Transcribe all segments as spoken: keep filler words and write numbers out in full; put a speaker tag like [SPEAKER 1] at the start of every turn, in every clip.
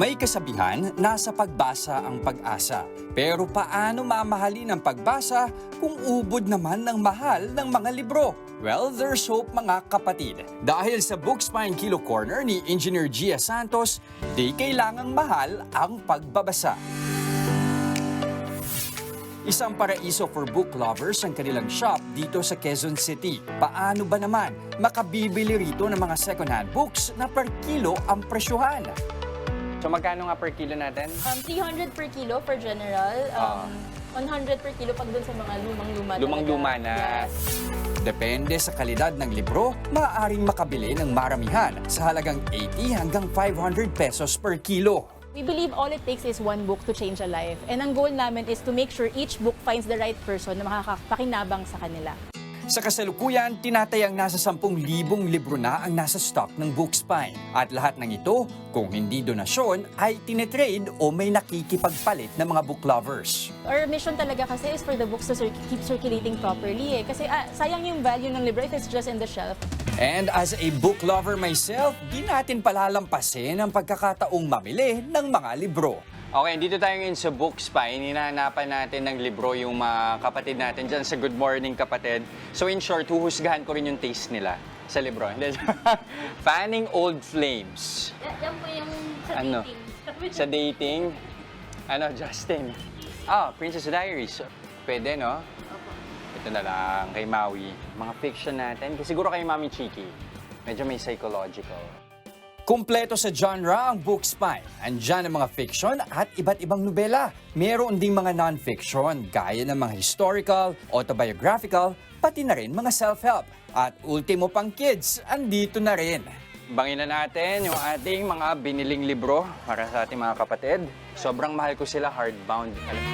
[SPEAKER 1] May kasabihan, nasa pagbasa ang pag-asa. Pero paano mamahalin ang pagbasa kung ubod naman ng mahal ng mga libro? Well, there's hope mga kapatid. Dahil sa Bookspine Kilo Corner ni Engineer Gia Santos, di kailangang mahal ang pagbabasa. Isang paraiso for book lovers ang kanilang shop dito sa Quezon City. Paano ba naman makabibili rito ng mga second-hand books na per kilo ang presyuhan?
[SPEAKER 2] So magkano nga per kilo natin?
[SPEAKER 3] Um, three hundred per kilo for general. Um, one hundred per kilo pag dun sa mga lumang-luma.
[SPEAKER 2] Lumang-luma na.
[SPEAKER 3] Yes.
[SPEAKER 1] Depende sa kalidad ng libro, maaaring makabili ng maramihan sa halagang eighty hanggang five hundred pesos per kilo.
[SPEAKER 3] We believe all it takes is one book to change a life. And ang goal namin is to make sure each book finds the right person na makakapakinabang sa kanila.
[SPEAKER 1] Sa kasalukuyan, tinatayang nasa sampung libong libro na ang nasa stock ng Bookspine. At lahat ng ito, kung hindi donasyon, ay tinetrade o may nakikipagpalit ng mga book lovers.
[SPEAKER 3] Our mission talaga kasi is for the books to cir- keep circulating properly eh. Kasi ah, sayang yung value ng libro if it's just in the shelf.
[SPEAKER 1] And as a book lover myself, di natin palalampasin ang pagkakataong mamili ng mga libro.
[SPEAKER 2] Okay, dito tayo ngayon sa Bookspine. Hinahanapan natin ng libro yung mga kapatid natin dyan sa Good Morning Kapatid. So in short, huhusgahan ko rin yung taste nila sa libro. Fanning Old Flames.
[SPEAKER 3] Yan po yung sa
[SPEAKER 2] Ano?
[SPEAKER 3] dating.
[SPEAKER 2] Sa dating. Ano, Justin? Ah, Princess Diaries. Pwede, no? Ito na lang, kay Maui. Mga fiction natin. Kasi siguro kay Mami Chiki. Medyo may psychological.
[SPEAKER 1] Kumpleto sa genre ang Bookspine. Andyan ang mga fiction at iba't ibang nobela. Meron ding mga non-fiction gaya ng mga historical, autobiographical, pati na rin mga self-help. At ultimo pang kids, andito na rin.
[SPEAKER 2] Bangin na natin yung ating mga biniling libro para sa ating mga kapatid. Sobrang mahal ko sila hardbound.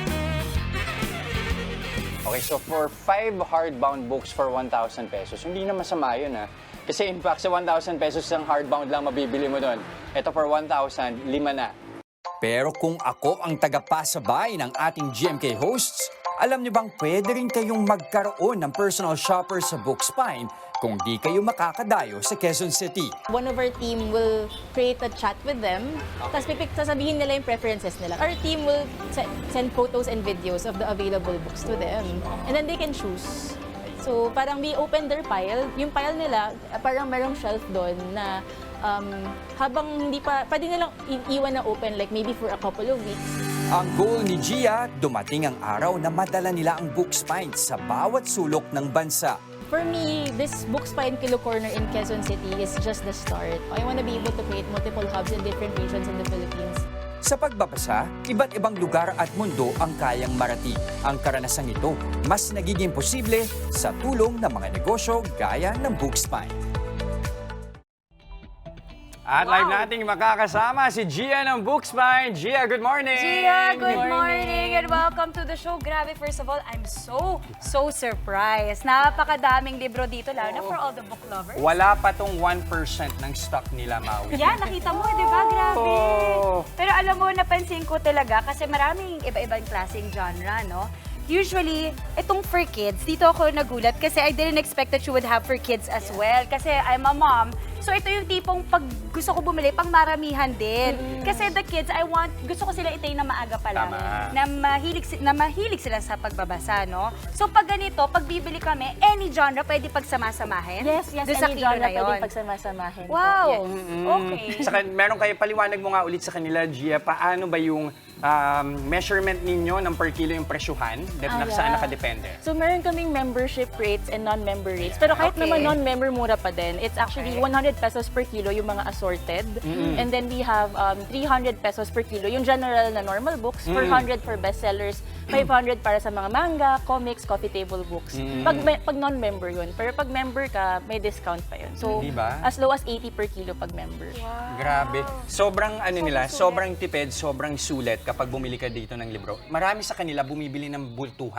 [SPEAKER 2] Okay, so for five hardbound books for one thousand pesos, hindi na masama yun ha. Kasi in fact, sa one thousand pesos ang hardbound lang mabibili mo doon. Ito for one thousand, lima na.
[SPEAKER 1] Pero kung ako ang tagapasabay ng ating G M K hosts, alam niyo bang pwede rin kayong magkaroon ng personal shopper sa Bookspine kung di kayo makakadayo sa Quezon City.
[SPEAKER 3] One of our team will create a chat with them. Tapos pipik, sasabihin nila yung preferences nila. Our team will se- send photos and videos of the available books to them. And then they can choose. So parang we open their pile. Yung pile nila, parang merong shelf doon na um, habang hindi pa, pwede nilang iiwan na open like maybe for a couple of weeks.
[SPEAKER 1] Ang goal ni Gia, dumating ang araw na madala nila ang Bookspine sa bawat sulok ng bansa.
[SPEAKER 3] For me, this Bookspine Kilo Corner in Quezon City is just the start. I want to be able to create multiple hubs in different regions in the Philippines.
[SPEAKER 1] Sa pagbabasa, iba't ibang lugar at mundo ang kayang marating. Ang karanasang ito, mas nagiging posible sa tulong ng mga negosyo gaya ng Bookspine.
[SPEAKER 2] At live nating makakasama si Gia ng Bookspine. Gia, good morning!
[SPEAKER 4] Gia, good
[SPEAKER 3] Good morning.
[SPEAKER 4] morning and welcome to the show. Grabe, first of all, I'm so, so surprised. Napakadaming libro dito, lalo na for all the book lovers.
[SPEAKER 2] Wala pa tong one percent ng stock nila, Maui.
[SPEAKER 4] Yan, nakita mo, di ba? Grabe.
[SPEAKER 2] Oh.
[SPEAKER 4] Pero alam mo, napansin ko talaga kasi maraming iba-ibang klaseng genre, no? Usually, itong for kids, dito ako nagulat kasi I didn't expect that you would have for kids as well. Kasi I'm a mom. So ito yung tipong pag gusto ko bumili, pang maramihan din. Mm. Kasi the kids, I want, gusto ko sila itayin na maaga pa lang.
[SPEAKER 2] Tama.
[SPEAKER 4] Na mahilig, si- na mahilig sila sa pagbabasa, no? So pag ganito, pag bibili kami, any genre pwede pagsama-samahin?
[SPEAKER 3] Yes, yes,
[SPEAKER 4] Doon sa
[SPEAKER 3] any
[SPEAKER 4] kilo
[SPEAKER 3] genre
[SPEAKER 4] na yun.
[SPEAKER 3] pwedeng pagsama-samahin. po.
[SPEAKER 4] Wow!
[SPEAKER 3] Yes.
[SPEAKER 4] Okay.
[SPEAKER 2] Saka meron kayo, paliwanag mo nga ulit sa kanila, Gia, paano ba yung um, measurement ninyo ng per kilo yung presyuhan? Dep-
[SPEAKER 3] Ah,
[SPEAKER 2] na, Saan
[SPEAKER 3] yeah.
[SPEAKER 2] nakadepende?
[SPEAKER 3] So meron kaming membership rates and non-member rates. Pero kahit
[SPEAKER 4] Okay.
[SPEAKER 3] naman non-member, mura pa din. It's actually
[SPEAKER 4] Okay.
[SPEAKER 3] one hundred pesos per kilo yung mga assorted. And then we have um, three hundred pesos per kilo yung general na normal books, four hundred for bestsellers, five hundred para sa mga manga, comics, coffee table books. Pag, me- pag non-member yun. Pero pag member ka, may discount pa yun. So
[SPEAKER 2] Di ba?
[SPEAKER 3] as low as eighty per kilo pag member.
[SPEAKER 2] Grabe. Sobrang ano nila, sobrang tipid, sobrang sulit kapag bumili ka dito ng libro. Marami sa kanila bumibili ng bultuhan.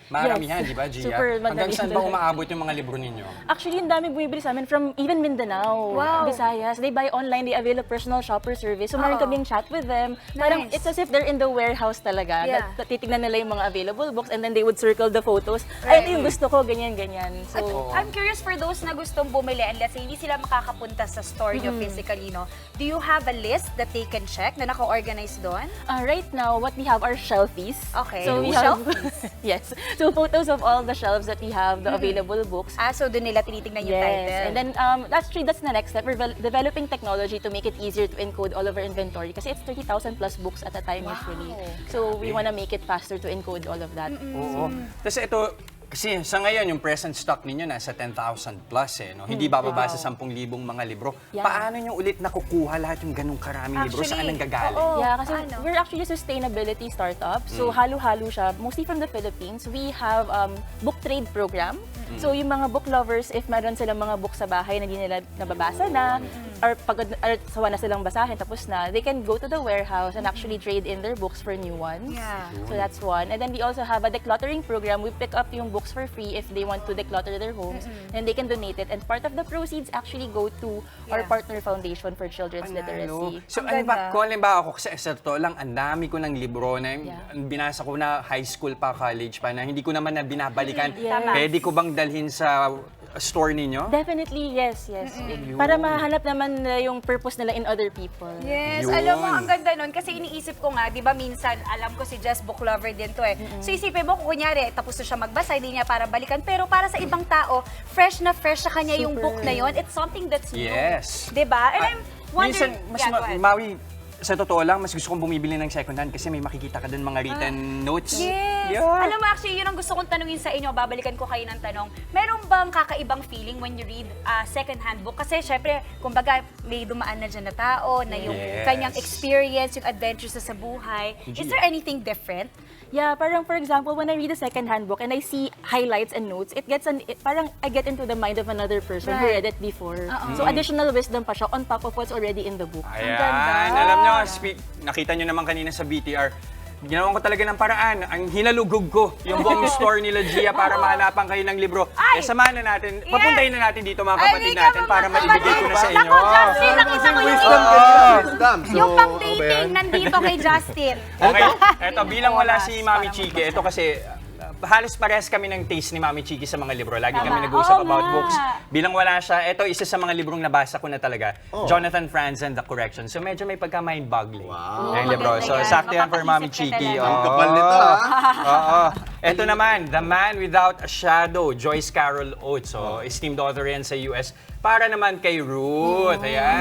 [SPEAKER 1] Maramihan,
[SPEAKER 3] Yes.
[SPEAKER 1] di ba, Gia?
[SPEAKER 3] Super
[SPEAKER 1] Hanggang
[SPEAKER 3] madami
[SPEAKER 1] saan ba
[SPEAKER 3] talaga.
[SPEAKER 1] umaabot yung mga libro ninyo?
[SPEAKER 3] Actually, ang dami bumibili sa amin from even Mindanao,
[SPEAKER 4] Wow.
[SPEAKER 3] Visayas. They buy online, they avail a personal shopper service. So, meron
[SPEAKER 4] Oo.
[SPEAKER 3] kaming chat with them. Parang
[SPEAKER 4] Nice.
[SPEAKER 3] it's as if they're in the warehouse talaga.
[SPEAKER 4] Yeah.
[SPEAKER 3] Na, titignan nila yung mga available books and then they would circle the photos.
[SPEAKER 4] Right.
[SPEAKER 3] Ay, ito yung gusto ko, ganyan, ganyan. So,
[SPEAKER 4] At I'm curious for those na gustong bumili and let's say hindi sila makakapunta sa store nyo physically, no? Do you have a list that they can check na naka-organize doon?
[SPEAKER 3] Uh, right now, what we have are shelfies.
[SPEAKER 4] Okay.
[SPEAKER 3] So we
[SPEAKER 4] Shelf-
[SPEAKER 3] have yes. So photos of all the shelves that we have, the available books.
[SPEAKER 4] Ah, so doon nila tinitingnan yung
[SPEAKER 3] Yes.
[SPEAKER 4] title.
[SPEAKER 3] And then um, that's actually that's the next step. We're vel- developing technology to make it easier to encode all of our inventory kasi it's thirty thousand plus books at a time usually. So we want to make it faster to encode all of that.
[SPEAKER 1] Oo. Kasi ito, kasi sa ngayon, yung present stock ninyo nasa ten thousand plus eh, no? Hindi bababa sa ten thousand mga libro.
[SPEAKER 3] Yeah.
[SPEAKER 1] Paano nyo ulit nakukuha lahat yung ganung karaming libro? Saan
[SPEAKER 4] Actually,
[SPEAKER 1] ang gagaling?
[SPEAKER 4] oo.
[SPEAKER 3] Yeah, kasi
[SPEAKER 4] Paano?
[SPEAKER 3] we're actually a sustainability startup. So halo-halo siya, mostly from the Philippines. We have um, book trade program. So yung mga book lovers, if meron silang mga book sa bahay na hindi nila nababasa na, or pagod or sawa na silang basahin tapos na, they can go to the warehouse and actually trade in their books for new ones.
[SPEAKER 4] Yeah.
[SPEAKER 3] So that's one. And then we also have a decluttering program. We pick up yung books for free if they want to declutter their homes, and they can donate it. And part of the proceeds actually go to our
[SPEAKER 4] Yeah.
[SPEAKER 3] partner foundation for children's
[SPEAKER 1] Panalo.
[SPEAKER 3] literacy.
[SPEAKER 1] So
[SPEAKER 4] Ang
[SPEAKER 1] ano ba,
[SPEAKER 4] ganda.
[SPEAKER 1] kung halimbawa ako, kasi sa totoo lang, ang dami ko ng libro na
[SPEAKER 3] Yeah.
[SPEAKER 1] binasa ko na high school pa, college pa, na hindi ko naman na binabalikan.
[SPEAKER 3] Yes. Tama.
[SPEAKER 1] Pwede ko bang dalhin sa store ninyo?
[SPEAKER 3] Definitely, yes, yes. Para mahanap naman nila yung purpose nila in other people.
[SPEAKER 4] Yes,
[SPEAKER 1] Yun.
[SPEAKER 4] alam mo, ang ganda nun. Kasi iniisip ko nga, di ba minsan, alam ko si Jess book lover din to eh. So isipin mo, kung kunyari, tapos na siya magbasa, hindi niya para balikan. Pero para sa ibang tao, fresh na fresh sa kanya yung book na yon. It's something that's new.
[SPEAKER 1] Yes.
[SPEAKER 4] Di ba? And
[SPEAKER 1] Ah,
[SPEAKER 4] I'm wondering,
[SPEAKER 1] minsan, mas
[SPEAKER 4] yeah,
[SPEAKER 1] ma-
[SPEAKER 4] go ahead.
[SPEAKER 1] Maui, sa totoo lang, mas gusto kong bumibili ng second hand kasi may makikita ka dun mga written notes.
[SPEAKER 4] Ah. Yes!
[SPEAKER 1] Yeah.
[SPEAKER 4] Alam mo, actually, yun ang gusto kong tanungin sa inyo. Babalikan ko kayo ng tanong. Meron bang kakaibang feeling when you read a second-hand book? Kasi, syempre, kumbaga, may dumaan na dyan na tao, na yung
[SPEAKER 1] Yes.
[SPEAKER 4] kanyang experience, yung adventures sa buhay. Is there anything different?
[SPEAKER 3] Yeah, parang for example, when I read a second-hand book and I see highlights and notes, it gets an it, parang I get into the mind of another person who
[SPEAKER 4] Right.
[SPEAKER 3] read it before. So additional wisdom pa siya on top of what's already in the book.
[SPEAKER 1] Ayan,
[SPEAKER 4] ganda.
[SPEAKER 1] alam nyo, spe- nakita nyo naman kanina sa B T R, ginawan ko talaga ng paraan. Ang hinalugog ko yung buong store nila Gia para mahanapan kayo ng libro.
[SPEAKER 4] Ay!
[SPEAKER 1] Eh, samahan na natin,
[SPEAKER 4] Yes!
[SPEAKER 1] papuntahin na natin dito mga
[SPEAKER 4] Ay,
[SPEAKER 1] kapatid
[SPEAKER 4] hindi ka
[SPEAKER 1] natin
[SPEAKER 4] mga
[SPEAKER 1] para maibigay ko na sa
[SPEAKER 4] kapatid.
[SPEAKER 1] inyo.
[SPEAKER 4] Naku, Justin, nakita ko yung
[SPEAKER 5] Wisdom
[SPEAKER 4] ito.
[SPEAKER 5] ganyan, wisdom. So,
[SPEAKER 4] Yung pang
[SPEAKER 5] ano ba
[SPEAKER 4] dating
[SPEAKER 5] yan?
[SPEAKER 4] nandito kay Justin.
[SPEAKER 1] Okay, eto bilang wala si
[SPEAKER 4] Oras
[SPEAKER 1] Mami
[SPEAKER 4] para
[SPEAKER 1] Chiki, ito kasi uh, halos pares kami ng taste ni Mami Chiki sa mga libro. Lagi kami
[SPEAKER 4] Tama.
[SPEAKER 1] nag-uusap
[SPEAKER 4] Oo
[SPEAKER 1] about
[SPEAKER 4] nga.
[SPEAKER 1] books. Bilang wala siya, ito isa sa mga librong nabasa ko na talaga. Jonathan Franzen, The Correction. So medyo may pagka-mind-boggling.
[SPEAKER 5] Wow.
[SPEAKER 1] Yung libro.
[SPEAKER 4] maganda
[SPEAKER 1] So
[SPEAKER 4] yan.
[SPEAKER 1] sakto yan for Mami
[SPEAKER 4] Mapapaisip ka
[SPEAKER 1] Chiki.
[SPEAKER 4] talaga.
[SPEAKER 5] Ang kapal nito,
[SPEAKER 1] Oo.
[SPEAKER 5] ah.
[SPEAKER 1] Oo. Ito naman, The Man Without a Shadow, Joyce Carol Oates. So, esteemed author yan sa U S. Para naman kay Ruth.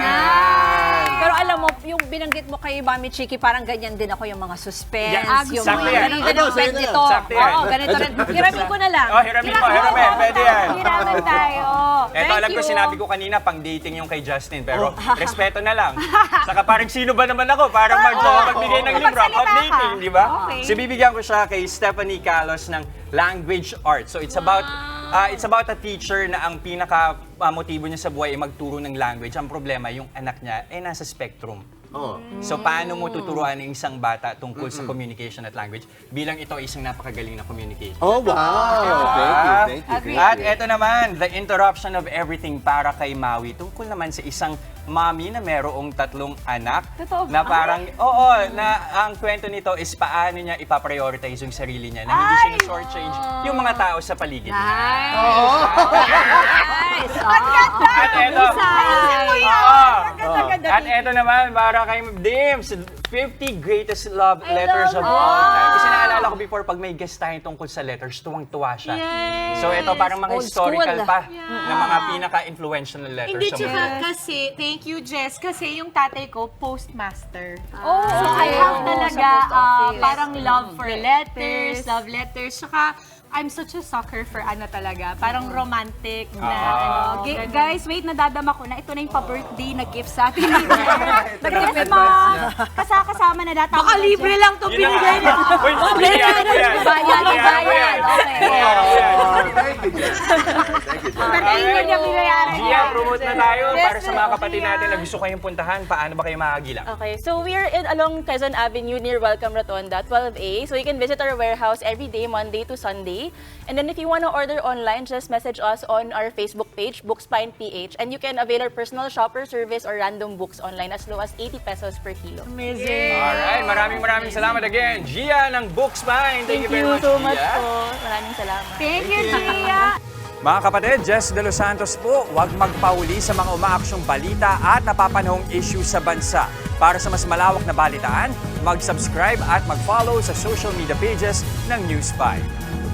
[SPEAKER 1] Ayan.
[SPEAKER 6] Pero alam mo, yung binanggit mo kay Mami Chiki, parang ganyan din ako yung mga suspense,
[SPEAKER 1] Yeah,
[SPEAKER 6] yung
[SPEAKER 1] sakto
[SPEAKER 6] mga
[SPEAKER 1] yan.
[SPEAKER 6] ganun din
[SPEAKER 5] Ano,
[SPEAKER 6] ang
[SPEAKER 5] sa'yo
[SPEAKER 6] peg
[SPEAKER 5] na yan.
[SPEAKER 6] nito.
[SPEAKER 1] Sakto yan.
[SPEAKER 6] Oo, ganito rin. Hiramin ko na lang.
[SPEAKER 1] Oh, hiramin mo, hiramin. Pwede yan.
[SPEAKER 4] Hiraman tayo.
[SPEAKER 1] Eto,
[SPEAKER 6] Thank
[SPEAKER 1] alam ko
[SPEAKER 6] you.
[SPEAKER 1] sinabi ko kanina, pang dating yung kay Justin, pero respeto na lang. Saka parang sino ba naman ako para mag magbigay ng libro?
[SPEAKER 4] Magsalita
[SPEAKER 1] Pang dating,
[SPEAKER 4] ka.
[SPEAKER 1] di ba?
[SPEAKER 4] Okay.
[SPEAKER 1] So, bibigyan ko siya kay Stephanie Calos ng Language Arts. So, it's about ah, it's about a teacher na ang pinaka ah, motibo niya sa buhay ay magturo ng language. Ang problema, yung anak niya ay nasa spectrum.
[SPEAKER 5] Oh.
[SPEAKER 1] So, paano mo tuturuan ng isang bata tungkol sa communication at language bilang ito ay isang napakagaling na communication?
[SPEAKER 5] Oh, wow. Thank you, thank you, thank
[SPEAKER 1] At
[SPEAKER 5] you.
[SPEAKER 1] eto naman, The Interruption of Everything para kay Maui. Tungkol naman sa isang mommy na merong tatlong anak.
[SPEAKER 4] Totoo ba?
[SPEAKER 1] Na parang, oo, na ang kwento nito is paano niya ipaprioritize yung sarili niya na hindi siya na shortchange yung mga tao sa paligid niya.
[SPEAKER 6] Nice!
[SPEAKER 1] At eto, oo. At eto naman, para kay Dims, fifty greatest love letters of all time. Kasi naalala ko before, pag may guest tayo tungkol sa letters, tuwang-tuwa siya. So ito, parang mga
[SPEAKER 6] Old
[SPEAKER 1] historical
[SPEAKER 6] school.
[SPEAKER 1] pa na mga pinaka-influential na letters
[SPEAKER 7] Hindi,
[SPEAKER 1] sa
[SPEAKER 7] tsaka
[SPEAKER 1] mundo.
[SPEAKER 7] kasi, thank you, Jess, kasi yung tatay ko, postmaster.
[SPEAKER 4] Oh,
[SPEAKER 7] So, I have
[SPEAKER 3] Oo,
[SPEAKER 7] talaga
[SPEAKER 3] sa post
[SPEAKER 7] ah,
[SPEAKER 3] office.
[SPEAKER 7] parang love for letters, love letters, tsaka I'm such a sucker for ano talaga, parang romantic na ano.
[SPEAKER 4] G- guys, wait, nadadama ko na. Ito na yung pa-birthday na gift sa atin. Yes, ma'am. Kasama na data.
[SPEAKER 7] Baka libre lang to
[SPEAKER 1] Yun na
[SPEAKER 7] binigay
[SPEAKER 1] nga.
[SPEAKER 7] niya.
[SPEAKER 1] Uy, bigyan mo yan.
[SPEAKER 6] Bayan,
[SPEAKER 1] Bigyan mo
[SPEAKER 6] bayan.
[SPEAKER 1] yan.
[SPEAKER 6] Okay.
[SPEAKER 1] Oo, yan.
[SPEAKER 5] Oh, thank you, Jess. Thank you, Jess.
[SPEAKER 4] Birthday niya niya binayaran
[SPEAKER 1] Gia,
[SPEAKER 4] niya.
[SPEAKER 1] promote na tayo para sa mga
[SPEAKER 4] Yes,
[SPEAKER 1] kapatid
[SPEAKER 4] Gia.
[SPEAKER 1] natin na gusto kayong puntahan. Paano ba kayo makagila?
[SPEAKER 3] Okay, so we're in along Quezon Avenue near Welcome Rotonda, twelve A. So you can visit our warehouse every day, Monday to Sunday. delivery. And then if you want to order online, just message us on our Facebook page, Bookspine P H, and you can avail our personal shopper service or random books online as low as eighty pesos per kilo.
[SPEAKER 2] Alright, maraming maraming salamat again. Gia ng Bookspine. Thank,
[SPEAKER 3] Thank
[SPEAKER 2] you very
[SPEAKER 3] you
[SPEAKER 2] much,
[SPEAKER 3] so much
[SPEAKER 2] Gia.
[SPEAKER 3] po. Maraming salamat.
[SPEAKER 4] Thank you, Gia!
[SPEAKER 1] Mga kapatid, Jess De Los Santos po, huwag magpahuli sa mga umaaksyong balita at napapanahong issue sa bansa. Para sa mas malawak na balitaan, mag-subscribe at mag-follow sa social media pages ng News five.